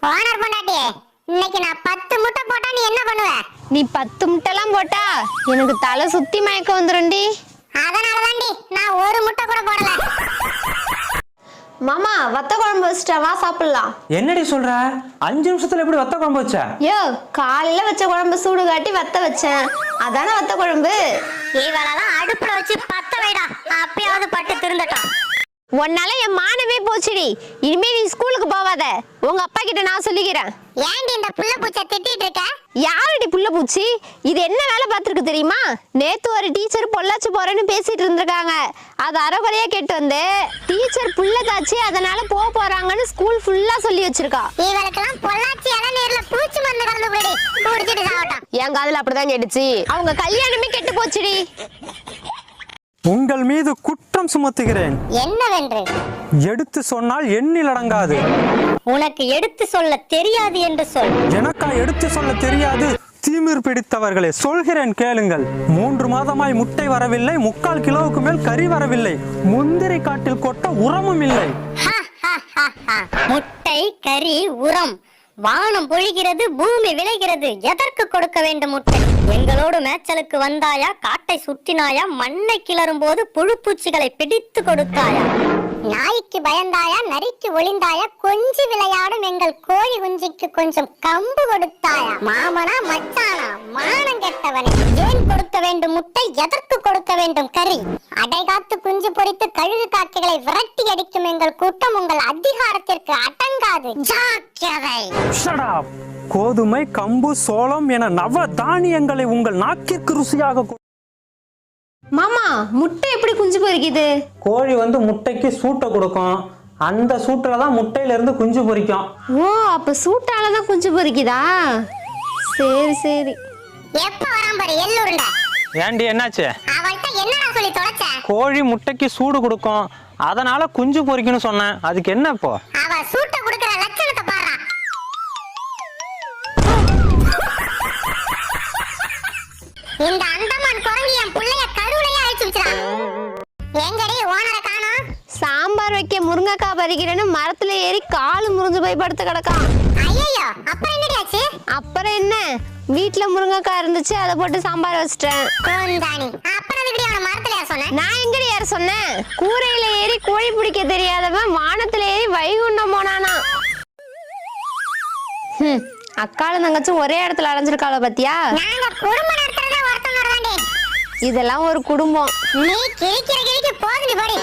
Owner பொண்டாட்டி, இன்னைக்கு நான் 10 முட்டை போட்டா நீ என்ன பண்ணுவ? நீ 10 முட்டைலாம் போட்டா எனக்கு தலை சுத்தி மயக்கம் வந்துரும்டி. அதனாலதான்டி நான் ஒரு முட்டை கூட போடல. மாமா வத்த குழம்பு வச்சிட்டா, வா சாப்பிடலாம். என்னடி சொல்ற? 5 நிமிஷத்துல எப்படி வத்த குழம்பு வச்ச? யோ, காலையில வச்ச குழம்பு சூடு காட்டி வத்த வச்சேன், அதானே வத்த குழம்பு. இவளெல்லாம் அடுப்புல வச்சு பத்த வைடா, அப்பயாவது பட்டு திருந்தட்டும். உன்னால என் மானமே போச்சுடி. இனிமே நீ ஸ்கூலுக்கு போவாத, உங்க அப்பா கிட்ட நான் சொல்லிக்கிறேன். ஏன்டி இந்த புள்ள பூச்சை திட்டிட்டு இருக்க? யாரடி புள்ள பூச்சி? இது என்ன வேலை பார்த்துருக்கு தெரியுமா? நேத்து ஒரு டீச்சர் பொள்ளாச்சி போறேன்னு பேசிட்டு இருந்திருக்காங்க. அது அரைகுறையா கேட்டு வந்து டீச்சர் புள்ள காய்ச்சி அதனால போறாங்கன்னு ஸ்கூல் ஃபுல்லா சொல்லி வச்சிருக்கா. இவளுக்கெல்லாம் பொள்ளாச்சி இளநீர்ல பூச்சி மருந்து கலந்து போடி, குடிச்சிட்டு சாவட்டும். என் காதுல அப்படிதான் கேட்டுச்சு. அவங்க கல்யாணமே கெட்டு போச்சுடி. உங்கள் மீது குற்றம் சுமத்துகிறேன். என்னவென்று? எடுத்து சொன்னால் எண்ணில் அடங்காது. உனக்கு எடுத்து சொல்ல தெரியாது என்று சொல். எனக்கா எடுத்து சொல்ல தெரியாது? தீமிர் பிடித்தவர்களே, சொல்கிறேன் கேளுங்கள். 3 மாதமாய் முட்டை வரவில்லை, 3/4 கிலோவுக்கு மேல் கறி வரவில்லை, முந்திரி காட்டில் கொட்ட உரமும் இல்லை. முட்டை, கறி, உரம், வானம் பொழிகிறது, பூமி விளைகிறது, எதற்கு கொடுக்க வேண்டும் முட்டை? எங்களோடு மேய்ச்சலுக்கு வந்தாயா? காட்டை சுற்றினாயா? மண்ணை கிளறும் போது புழுப்பூச்சிகளை பிடித்து கொடுத்தாயா? நாய்க்கு பயந்தாயா? நரிக்கு ஒளிந்தாயா? கொஞ்சி விளையாடும் எங்கள் கோழி குஞ்சிக்கு கொஞ்சம் கம்பு கொடுத்தாயா? மாமனா மச்சானா? மானம் கெட்டவனே, ஏன் கொடுக்க வேண்டும் முட்டை? எதற்கு கொடுக்க வேண்டும் கறி? அடைகாத்து குஞ்சு பொறித்து கழுகு காக்கைகளை விரட்டி அடிக்கும் எங்கள் கூட்டம் உங்கள் அதிகாரத்திற்கு அடங்காது. ஜாக்கிரதை. கோதுமை, கம்பு, சோளம் என நவ தானியங்களை உங்கள் நாக்கிற்கு ருசியாக. மாமா, முட்டை எப்படி குஞ்சு பொரிக்குது? கோழி வந்து முட்டைக்கு சூட்டை கொடுக்கும், அந்த சூட்டுல தான் முட்டையில இருந்து குஞ்சு பொரிக்கும். ஓ, அப்ப சூட்டாலதான் குஞ்சு பொரிக்குதா? சரி சரி. எப்ப வரான் பாரு எள்ளுருண்டை. ஏண்டி என்னாச்சு? அவள்கிட்ட என்னடா சொல்லி தொலைச்ச? கோழி முட்டைக்கு சூடு கொடுக்கும், அதனால குஞ்சு பொரிக்கணும்னு சொன்னேன். அதுக்கு என்ன இப்போ? அவ சூட்ட குடுக்குற லட்சணத்தை பாரு. இந்த அந்தமான் குரங்கு என் புள்ளைய கருவிலேயே அழிச்சு வச்சிரான். எங்கடி ஓனரை காணோம்? சாம்பார் வைக்க முருங்கைக்காய் பறிக்கிறேன்னு மரத்துல ஏறி காலு முறிஞ்சு போய் படுத்து கிடக்கான். ஐயோ, அப்புறம் என்னடி ஆச்சு? அப்புறம் என்ன, வீட்டுல முருங்கைக்காய் இருந்துச்சு, அதை போட்டு சாம்பார் வச்சிட்டேன். கோந்தானி, அப்புறம் எங்கடி அவன மரத்துல ஏற சொன்ன? நான் எங்கடி ஏற சொன்னேன்? கூரையில ஏறி கோழி பிடிக்க தெரியாதவன் வானத்துல ஏறி வைகுண்டம் போனானா. அக்காலும் தங்கச்சும் ஒரே இடத்துல அடைஞ்சிருக்காள பத்தியா? நாங்க குடும்பம் நடத்துறதே ஒருத்தவங்க தாண்டி. இதெல்லாம் ஒரு குடும்பம். நீ கிழிக்கிற போதுடி படி.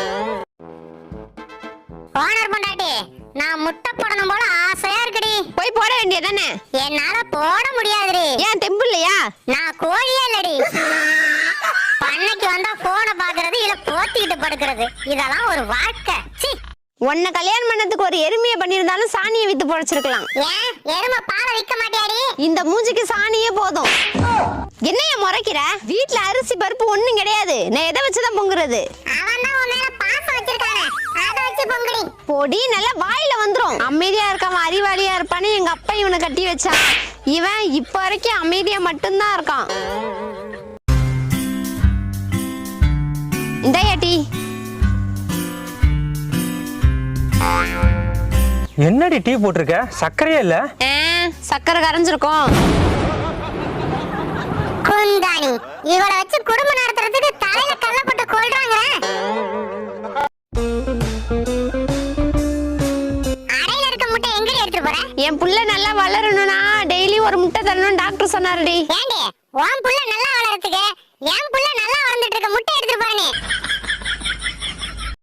ஓனர் பொண்டாட்டி, நான் முட்டை போடணும் போல ஆசையா இருக்குடி. போய் போட வேண்டியதானே? என்னால போட முடியாதுடி. ஏன் தெம்பு இல்லையா? நான் கோழியே இல்லடி. பண்ணைக்கு வந்தா போனை பாக்குறது, இல்ல போத்திக்கிட்டு படுக்கிறது, இதெல்லாம் ஒரு வாழ்க்கை. உன்னை கல்யாணம் பண்ணதுக்கு ஒரு எருமையை பண்ணிருந்தாலும் சாணியை வித்து பொழைச்சிருக்கலாம். ஏன் எருமை பாலை விற்க மாட்டியாடி? இந்த மூஞ்சிக்கு சாணியே போதும். என்னைய முறைக்கிற? வீட்டுல அரிசி பருப்பு ஒண்ணும் கிடையாது, நான் எதை வச்சுதான் பொங்குறது? அவன் தான் உன் மேல பாசம் வச்சிருக்கானே, அதை வச்சு பொங்குடி. பொடி நல்லா வாயில வந்துரும். அமைதியா இருக்காம அறிவாளியா இருப்பான்னு எங்க அப்பா இவனை கட்டி வச்சான். இவன் இப்ப வரைக்கும் அமைதியா மட்டும்தான் இருக்கான். இந்தாயாட்டி. என்னடி டீ போட்டிருக்க? சர்க்கரையே இல்ல. சக்கரை கரைஞ்சிருக்கும். குந்தாணி, இவளை வச்சு குடும்பம் நடத்துறதுக்கு தலையில கல்ல போட்டு கொள்றாங்க. அறையில இருக்க முட்டை எங்கடி எடுத்துட்டு போற? என் புள்ள நல்லா வளரணும்னா டெய்லி ஒரு முட்டை தரணும் டாக்டர் சொன்னாருடி. ஏண்டி, உன் புள்ள நல்லா வளர்றதுக்கு என் புள்ள நல்லா வளர்ந்துட்டு இருக்க முட்டை எடுத்துட்டு போற நீ?